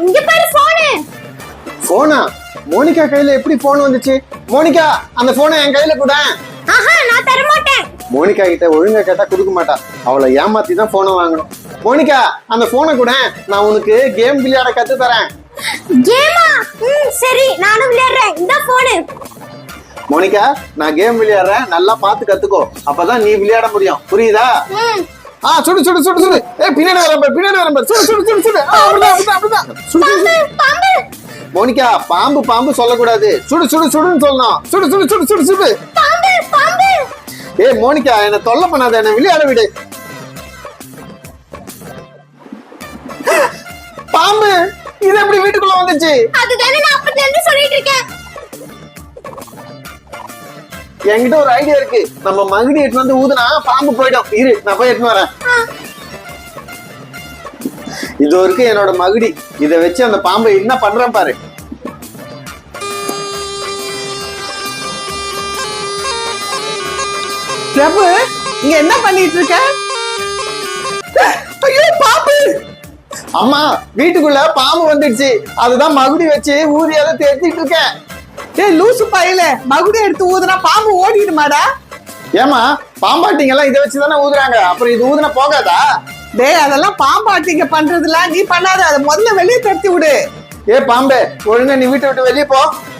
இங்க பாரு போனு. போனா? மோனிகா கையில எப்படி போன் வந்துச்சு? மோனிகா, அந்த போனை என் கையில கூட. ஆஹா, நான் தர மாட்டேன். மோனிகா கிட்ட ஒழுங்கா கேட்டா கொடுக்க மாட்டா. அவளை ஏமாத்தி தான் போனை வாங்கணும். மோனிகா, அந்த போனை கூட, நான் உனக்கு கேம் விளையாட கத்து தரேன். கேமா? சரி, நானும் விளையாடுறேன். இந்த போனு. மோனிகா, நான் கேம் விளையாடுறேன், நல்லா பார்த்து கத்துக்கோ. அப்பதான் நீ விளையாட முடியும். புரியுதா? சுடு சுடு சுடு சுடு. பின்னாடி வரம்ப. சுடு சுடு சுடு சுடு. அப்படிதான். பாம்பு. மோனிகா, பாம்பு பாம்பு சொல்லக்கூடாது. சுடு சுடு சுடுன்னு சொல்லணும். சுடு சுடு சுடு சுடு சுடு. பாம்பு. மோனிகா, என்ன தொல்லை பண்ணாத, என்ன விளையாட விடு. பாம்பு இது எப்படி வீட்டுக்குள்ள வந்துச்சு? அதுதானே நான் அப்பத்துல இருந்து சொல்லிட்டு இருக்கேன். என்கிட்ட ஒரு ஐடியா இருக்கு. நம்ம மகுடி எடுத்து வந்து ஊதுனா பாம்பு போயிடும். இரு, நான் போய் எடுத்து வரேன். இது இருக்கு என்னோட மகுடி. இத வச்சு அந்த பாம்பை என்ன பண்றேன் பாரு. பிரபு, இங்க என்ன பண்ணிட்டு இருக்க? ஐயோ, பாம்பு! அம்மா, வீட்டுக்குள்ள பாம்பு வந்துடுச்சு. அதுதான் மகுடி வச்சு ஊதியாத தேத்திட்டு இருக்கேன். டேய் லூசு பையல, மகுடி எடுத்து ஊதுனா பாம்பு ஓடிடுமாடா? ஏமா, பாம்பாட்டிங்க இதை வச்சுதானே ஊதுறாங்க. அப்புறம் இது ஊதுனா போகாதா? டேய், அதெல்லாம் பாம்பாட்டிங்க பண்றதுல நீ பண்ணாத. அதை முதல்ல வெளியே தட்டி விடு. பாம்பே, ஒழுங்கா நீ வீட்டை விட்டு வெளியே போ.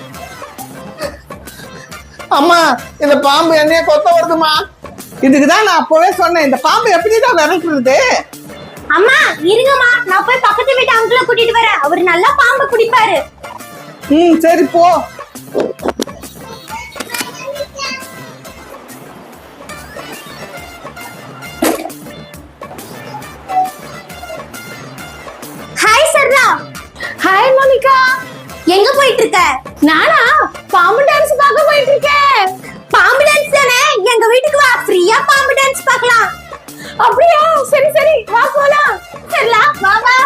அம்மா, இந்த பாம்பு என்னைய கொத்த வருதுமா. இதுக்குதான் நான் அப்பவே சொன்னேன், இந்த பாம்பு எப்படிதான் விரட்டுறது? அம்மா இருங்கம்மா, நான் போய் பக்கத்து வீட்டு அங்கிளை கூட்டிட்டு வரேன். அவரு நல்லா பாம்பு பிடிப்பாரு. சரி போ. ஹாய் சர்ரா. Hi Monica. எங்க போயிட்டு இருக்க? நானா பாம்பு டான்ஸ் பார்க்க போயிட்டு இருக்கேன். பாம்பு டான்ஸ் தானே? எங்க வீட்டுக்கு வா, ஃப்ரீயா பாம்பு டான்ஸ் பார்க்கலாம். அப்படியா? சரி சரி, வா போலாம். சர்லா, வா வா.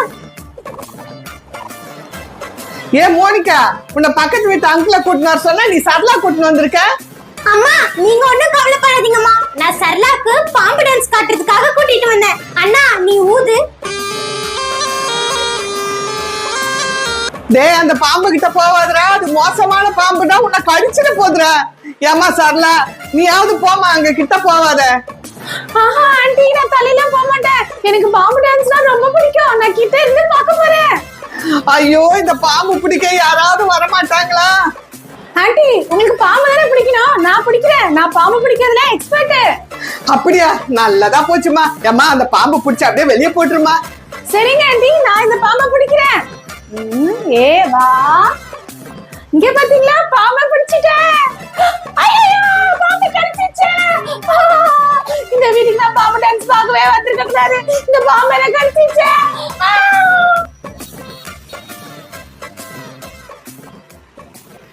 மோனிகா, உன்னை பக்கத்து வீட்டு அங்கிளை கூட்டினு வர சொன்னா நீ சரளா கூட்டினு வந்திருக்க. அம்மா, நீங்க ஒண்ணும் கவலைப்படாதீங்கம்மா. நான் சர்லாக்கு பாம்பு டான்ஸ் காட்டுறதுக்காக கூட்டிட்டு வந்தேன். அண்ணா, நீ ஊது. டேய், அந்த பாம்பு கிட்ட போவாதுடா. அது மோசமான பாம்புடா, உன்னை கடிச்சிட்டு போதுடா. ஏமா சரளா, நீயாவது போமா, அங்க கிட்ட போவாத. ஆஹா ஆண்டி, நான் தலையெல்லாம் போக மாட்டேன். எனக்கு பாம்பு டான்ஸ்னா ரொம்ப பிடிக்கும். நான் கிட்ட இருந்து பார்க்க போறேன். ஐயோ, இந்த பாம்பு பிடிக்க யாராவது வர மாட்டாங்களா? ஆண்டி, உங்களுக்கு பாம்பு தானே பிடிக்கணும். நான் பிடிக்கிறேன். நான் பாம்பு பிடிக்கிறதுல எக்ஸ்பர்ட். அப்படியா? நல்லதா போச்சுமா. ஏமா, அந்த பாம்பு பிடிச்சி அப்படியே வெளியே போட்டுருமா. சரிங்க ஆண்டி, நான் இந்த பாம்பை பிடிக்கிறேன். வா. இங்க பாத்தீங்களா, பாம்பை பிடிச்சிட்டேன். ஐயோ, பாம்பு கடிச்சிச்சு. இந்த வீட்டுக்கு நான் பாம்பு டான்ஸ் பார்க்கவே வந்திருக்க கூடாது. இந்த பாம்பு என்ன கடிச்சிச்சு.